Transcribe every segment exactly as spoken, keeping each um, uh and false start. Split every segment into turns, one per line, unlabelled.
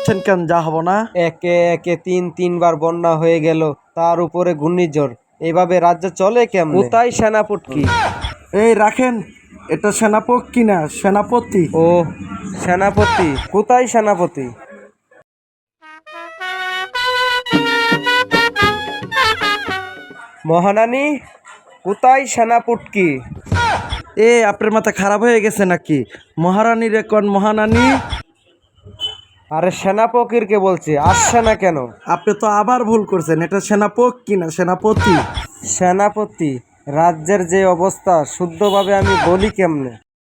যাচ্ছেন কেন? যা হবো না।
একে একে তিন তিনবার বন্যা হয়ে গেল, তার উপরে ঘূর্ণিঝড়। এভাবে রাজ্য চলে কেমন? কোথায় সেনাপতি?
এই রাখেন, এটা সেনাপতি না, সেনাপতি।
ও সেনাপতি, কোথায় সেনাপতি? মহারানী, কোথায় সেনাপতি?
এ আপনার মাথা খারাপ হয়ে গেছে নাকি? মহারানী রে কোন মহারানী?
আরে সেনাপতির কে বলছি, আসছে না কেন?
আপনি তো আবার ভুল করছেন, এটা সেনাপতি না, সেনাপতি।
সেনাপতি, রাজ্যের যে অবস্থা শুদ্ধভাবে আমি বলি কেমনে?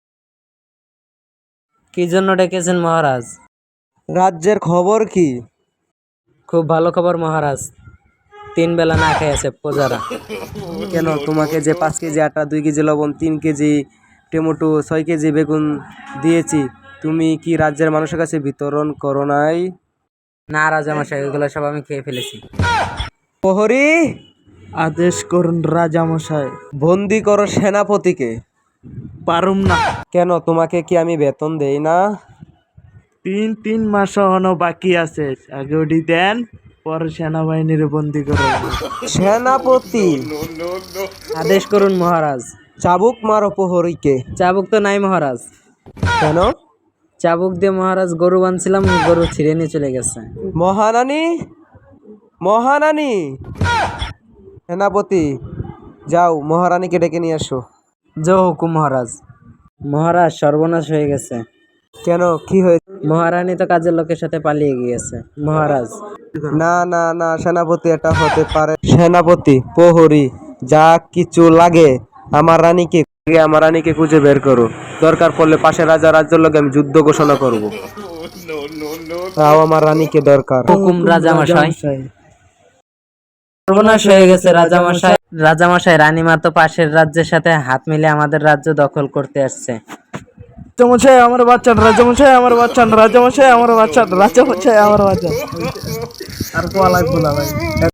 কি জন্য ডেকেছেন মহারাজ?
রাজ্যের খবর কি?
খুব ভালো খবর মহারাজ, তিন বেলা না খেয়ে আছে প্রজারা।
কেন, তোমাকে যে পাঁচ কেজি আটা, দুই কেজি লবণ, তিন কেজি টমেটো, ছয় কেজি বেগুন দিয়েছি, তুমি কি রাজ্যের মানুষের কাছে বিতরণ করো নাই?
না রাজামশাই, ওইগুলো সব আমি খেয়ে ফেলেছি।
প্রহরী,
আদেশ করুন রাজামশাই।
বন্দি করো সেনাপতিকে।
পারুম না।
কেন, তোমাকে কি আমি বেতন দেই না?
তিন তিন মাস এখনো বাকি আছে, আগে ওটি দেন, পরে সেনাবাহিনীর বন্দি করে।
সেনাপতি,
আদেশ করুন মহারাজ।
চাবুক মারো প্রহরীকে।
চাবুক তো নাই মহারাজ।
কেন?
চাবুক দিয়ে মহারাজ গরু বাঁধছিলাম, গরু ছিঁড়ে নিয়ে চলে গেছে।
মহারানী, মহারানী। সেনাপতি, যাও মহারানীকে ডেকে নিয়ে আসো।
জয় হুকুম মহারাজ। মহারাজ, সর্বনাশ হয়ে গেছে।
কেন, কি হয়েছে?
মহারানী তো কাজের লোকের সাথে পালিয়ে গিয়েছে মহারাজ।
না না না সেনাপতি, এটা হতে পারে। সেনাপতি, প্রহরী, যা কিছু লাগে আমার রানীকে আমার রানীকে খুঁজে বের করো। দরকার পড়লে পাশের রাজা রাজ্যের লোক আমি যুদ্ধ ঘোষণা করব। তাও আমার রানীকে দরকার।
হুকুম রাজামশাই। সর্বনাশ হয়ে গেছে রাজামশাই। রাজামশাই, রানীমা তো পাশের রাজ্যের সাথে হাত মিলে আমাদের রাজ্য দখল করতে আসছে।
রাজামশাই আমার বাচ্চা, রাজামশাই আমার বাচ্চা, রাজামশাই আমার বাচ্চা, রাজামশাই আমার বাচ্চা। আর কোয়া লাগবো না ভাই।